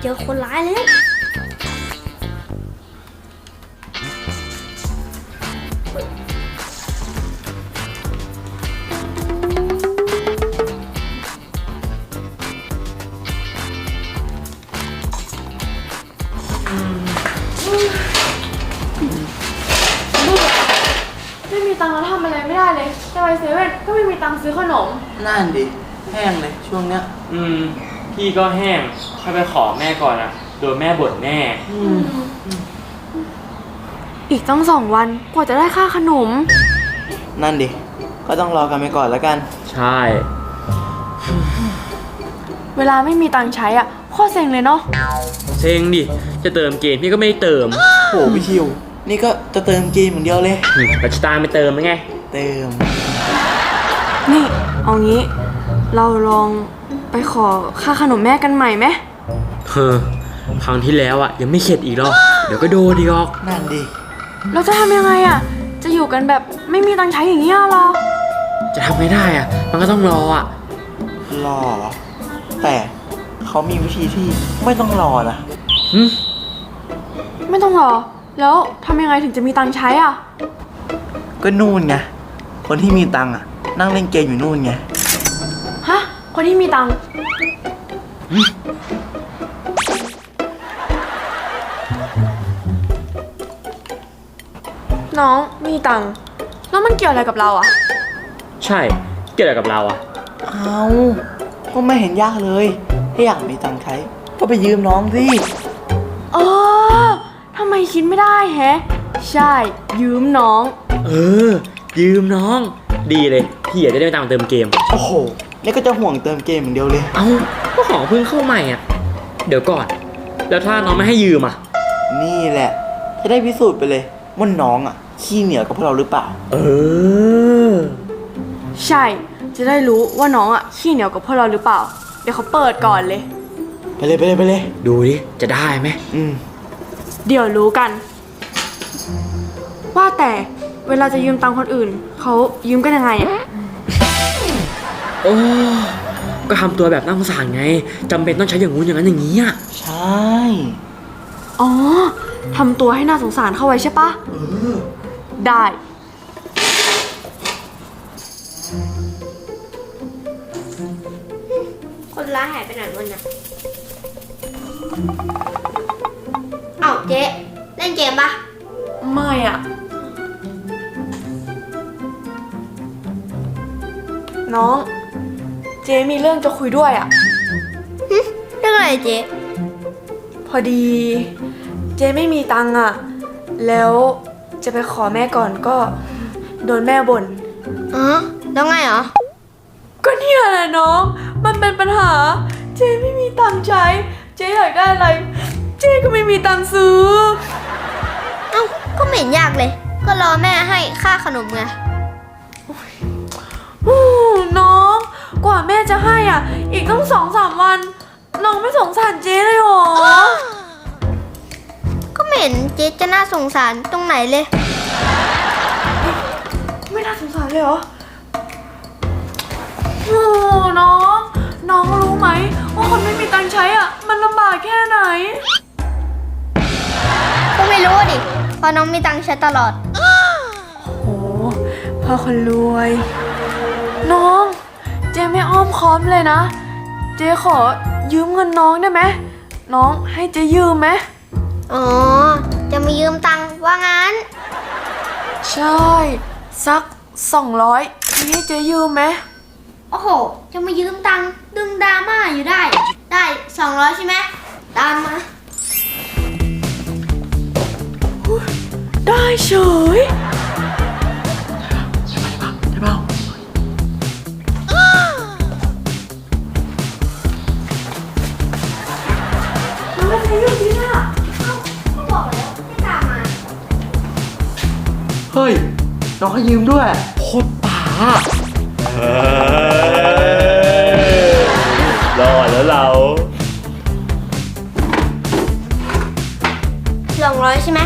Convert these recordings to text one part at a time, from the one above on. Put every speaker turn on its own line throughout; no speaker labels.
เจอคนร้ายแล้ว
ไม่มีตังค์แล้วทำอะไรไม่ได้เลยจะไปเซเว่นก็ไม่มีตังค์ซื้อขนม
นั่นดิแห้งเลยช่วงเนี้ย
พี่ก็แห้งถ้าไปขอแม่ก่อนอะโดนแม่บ่นแน่
อีกตั้ง2 วันกว่าจะได้ค่าขนม
นั่นดิก็ต้องรอกันไปก่อนแล้วกัน
ใช่
เวลาไม่มีตังค์ใช้อ่ะโคตรเซ็งเลยเนาะ
เซ็งดิจะเติมเกมพี่ก็ไม่ได้เติม
โหพี่ชิวนี่ก็จะเติมเกมอย่างเดียวเลย
ปัจจุบันไม่เติมไหมไง
เติม
นี่เอางี้เราลองไปขอค่าขนมแม่กันใหม่ไหม
ครั้งที่แล้วอะยังไม่เข็ดอีกหรอกเดี๋ยวก็โดนดีออก
นั่นดิ
เราจะทำยังไงอ่ะจะอยู่กันแบบไม่มีตังค์ใช้อย่างเงี้ยหรอ
จะทำไม่ได้อ่ะมันก็ต้องรออ่ะ
รอแต่เขามีวิธีที่ไม่ต้องรอนะ
ไม่ต้องรอแล้วทำยังไงถึงจะมีตังค์ใช้อ่ะ
ก็นู่นไงคนที่มีตังค์อ่ะนั่งเล่นเกมอยู่นู่นไง
ฮะคนที่มีตังค์น้องมีตังค์แล้วมันเกี่ยวอะไรกับเราอ่ะ
ใช่เกี่ยวอะไรกับเราอ่ะ
เอาก็ไม่เห็นยากเลยถ้าอยากมีตังค์ใช้ก็ไปยืมน้องสิ
ทำไมคิดไม่ได้แฮะใช่ยืมน้อง
ยืมน้องดีเลยพี่อยากจะได้ไปตังค์เติมเกม
โอ้โหนี่ก็จะห่วงเติมเกมอย่างเดียวเลย
ก็ของเพิ่งเข้าใหม่อ่ะเดี๋ยวก่อนแล้วถ้าน้องไม่ให้ยืมอ่ะ
นี่แหละจะได้พิสูจน์ไปเลยว่าน้องอ่ะขี้เหนียวกับพวกเราหรือเปล่า
ใช่จะได้รู้ว่าน้องอ่ะขี้เหนียวกับพวกเราหรือเปล่าเดี๋ยวเขาเปิดก่อนเลย
ไปเลย
ดูดิจะได้ไหม
เดี๋ยวรู้กันว่าแต่เวลาจะยืมตังค์คนอื่นเขายืมกันยังไงอ่ะ
ก็ทำตัวแบบน่าสงสารไงจำเป็นต้องใช้อย่างงู้นอย่างนั้นอย่างนี้อ่ะ
ใช่
ทำตัวให้น่าสงสารเข้าไว้ใช่ปะได้
คนร้ายหายไปไหนวันน่ะเอ้าเจ๊เล่นเกมปะ
ไม่อ่ะน้องเจ๊มีเรื่องจะคุยด้วยอ่ะ
เรื่องอะไรเจ๊
พอดีเจ๊ไม่มีตังค์อ่ะแล้วจะไปขอแม่ก่อนก็โดนแม่บ่น
แล้วไงเหรอ
ก็เนี่ยแหละน้องมันเป็นปัญหาเจ๊ไม่มีตังค์ใช้เจ๊อยากได้อะไรเจ๊ก็ไม่มีตังค์ซื้อ
ก็ไม่เห็นยากเลยก็รอแม่ให้ค่าขนมไง
น้องกว่าแม่จะให้อ่ะอีกต้อง2-3 วันน้องไม่สงสารเจ๊เลยหรอ
ก็ไม่เห็นเจ๊จะน่าสงสารตรงไหนเลย
ไม่น่าสงสารเลยเหรอน้องรู้ไหมว่าคนไม่มีตังค์ใช้อ่ะมันลำบากแค่ไหน
ก็ไม่รู้ดิเพราะน้องมีตังค์ใช้ตลอด
โหพ่อคนรวยน้องเจ๊ไม่อ้อมค้อมเลยนะเจ๊ขอยืมเงินน้องได้ไหมน้องให้เจ๊ยืมไหม
จะมายืมตังค์ว่างั้น
ใช่สัก200ให้เจ๊ยืมไหม
โอ้โหจะมายืมตังค์ดึงดราม่าอยู่ได้200ใช่ไหมตามมา
ได้เฉย
ได้เปล่า
น้องไม่ใช่อยู่ที่น่ะ
ก็บอกแล้วให้ตามมา
เฮ้ยน้องให้ยืมด้วย
โคตรป่ารอดแล้วเรา
200ใช่ไหม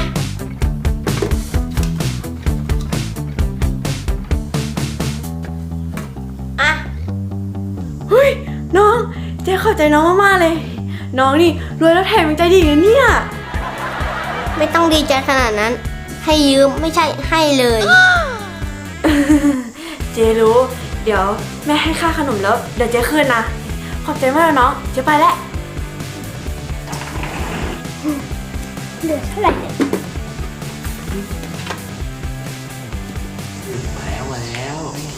เฮ้ยน้องเจ๊เข้าใจน้องมากๆเลยน้องนี่รวยแล้วแถมยังใจดีนะเนี่ย
ไม่ต้องดีใจขนาดนั้น ให้ยืมไม่ใช่ให้เลย
เจรู้ เดี๋ยวแม่ให้ค่าขนมแล้วเดี๋ยวเจคืนนะ ขอบใจมากนะน้อง เจไปแล้ว
เหลือเท่าไหร่เนี่ย
มาแล้ว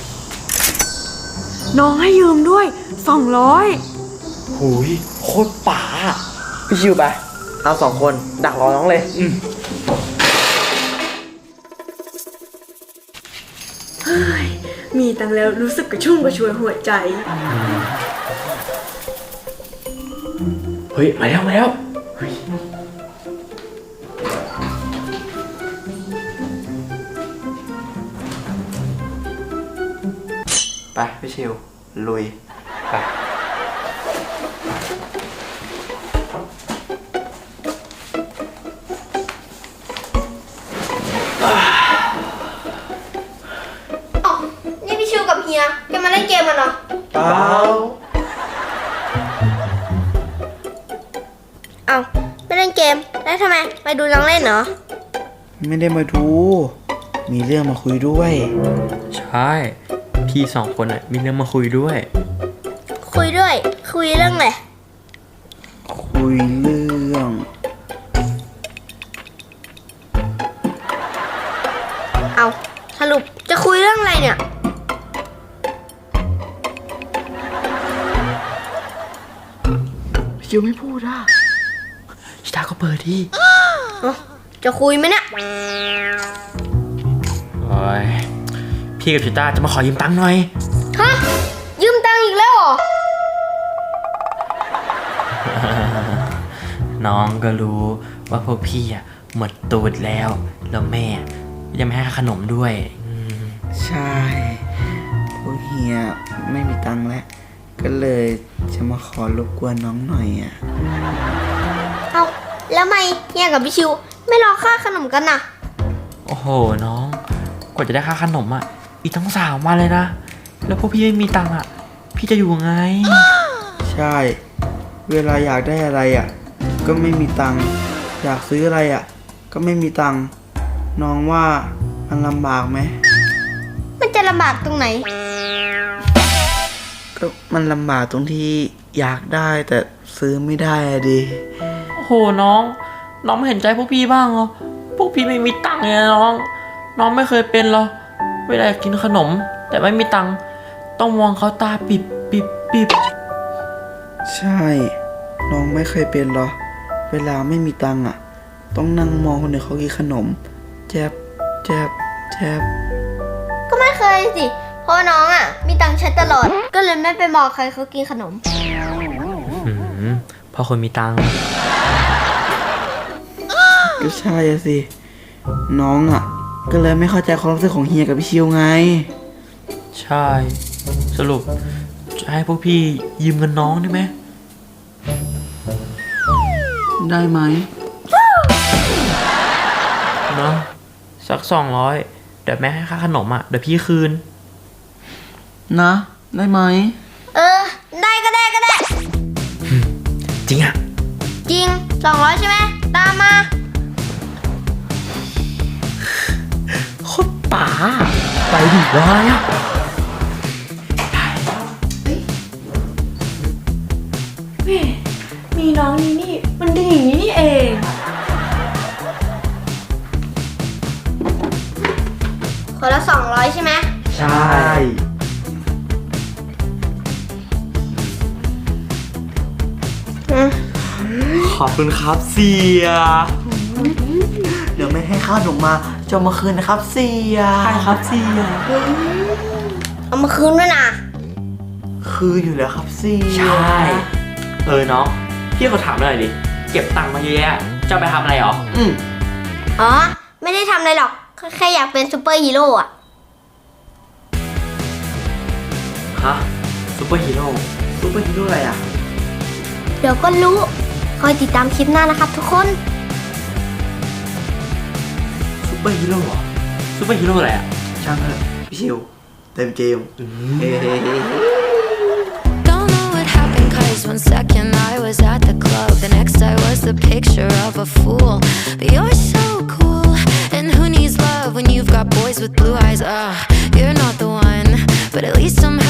น้องให้ยืมด้วย 200
หูยโคตรป๋าพี่ชิวไปเอา2 คนดักรอน้องเลย
มีตังค์แล้วรู้สึกกระชุ่มกระชวยหัวใจ
เฮ้ย มาแล้ว มาแล้ว
ไปพี่ชิวลุยไป
อ๋อนี่พี่ชิวกับเฮียจะมาเล่นเกมกันเหรอ
เปล่า
เอ้าไม่เล่นเกมแล้วทำไมไปดูน้องเล่นเหรอ
ไม่ได้มาดู มีเรื่องมาคุยด้วย
ใช่ พี่2 คนอ่ะ มีเรื่องมาคุยด้วย
คุยด้วย คุยเรื่องอะไร
คุยเรื่อง
เอาสรุปจะคุยเรื่องอะไรเนี่ย
พี่ชิวไม่พูดอ่ะ
ชิตาก็เปิดที่
จะคุยไหมเนี่ย
โอ้ย พี่กับชิตาจะมาขอยืมตังค์หน่อย
ฮะ ยืมตังค์อีกแล้วเหรอ
น้องก็รู้ว่าพวกพี่อ่ะหมดตูดแล้ว แล้วแม่ยังไม่ให้ค่าขนมด้วยม
ใช่พวกเฮียไม่มีตังค์แล้ว ก็เลยจะมาขอรบกวนน้องหน่อยอ่ะ
เอาแล้วทำไมเฮียกับพี่ชิว ไม่รอค่าขนมกันน่ะ
โอ้โห น้อง กว่าจะได้ค่าขนมอ่ะ อีกตั้ง3 วันเลยนะ แล้วพวกพี่ไม่มีตังค์อ่ะ พี่จะอยู่ไง
ใช่ เวลาอยากได้อะไรอ่ะ ก็ไม่มีตังค์ อยากซื้ออะไรอ่ะ ก็ไม่มีตังค์ น้องว่ามันลำบากไหม
มันจะลำบากตรงไหน
ก็มันลำบากตรงที่อยากได้แต่ซื้อไม่ได้อะดิ
โอ้โห น้องไม่เห็นใจพวกพี่บ้างเหรอ พวกพี่ไม่มีตังค์เลยนะน้องไม่เคยเป็นเหรอ เวลาอยากกินขนม แต่ไม่มีตังค์ ต้องมองเขาตาปิบ
ใช่ น้องไม่เคยเป็นหรอ เวลาไม่มีตังค์อ่ะ ต้องนั่งมองคนอื่นเขากินขนม แจบแจบแจบ
ก็ไม่เคยสิ เพราะน้องอ่ะ มีตังค์ใช้ตลอด ก็เลยไม่ไปบอกใครเขากินขนม
พอคนมีตังค์
ก็ใช่อะสิ น้องอ่ะ ก็เลยไม่เข้าใจความรู้สึกของเฮียกับพี่ชิวไง
ใช่ สรุปจะให้พวกพี่ยืมเงินน้องได้ไหม
ได้ไหม
เนาะสัก200 เดี๋ยวแม่ให้ค่าขนมอ่ะ เดี๋ยวพี่คืน
นะ ได้ไหม
เออ ได้ก็ได้ก็ได้
จริงอ่ะ
จริง 200 ใช่ไหม ตามมา
โคตรป๋าไปดิร้อยอ่ะ
แม่มีน้องนี่มันดีอย่างนี้นี่เอง
คนละ 200 ใช่ไหม
ใช่
ขอบคุณครับเสีย
เดี๋ยวไม่ให้ข้าวหนูมาจะเอามาคืนนะครับเสีย
ใช่ครับเสีย
เอามาคืนด้วยนะ
คืออยู่แล้วครับเสีย
ใช่ น้อง พี่เขาถามหน่อยดิ เก็บตังค์มาเยอะแยะจะเอาไปทำอะไรหรอ
อ๋อ ไม่ได้ทำอะไรหรอก แค่อยากเป็นซูเปอร์ฮีโร่อะ
ฮะซูเปอร์ฮีโร่
ซูเปอร์ฮีโร่อะไรอ่ะ
เดี๋ยวก็รู้ คอยติดตามคลิปหน้านะครับทุกคน
ซูเปอร์ฮีโร่เหรอซูเปอร์ฮีโร่อะไรอ่ะ
ช่างเถอะพี่ชิว เต็มเกม
Don't know what happened, cause 1 second I was at the club. picture of a fool. But you're so cool. And who needs love when you've got boys with blue eyes? You're not the one. But at least I'm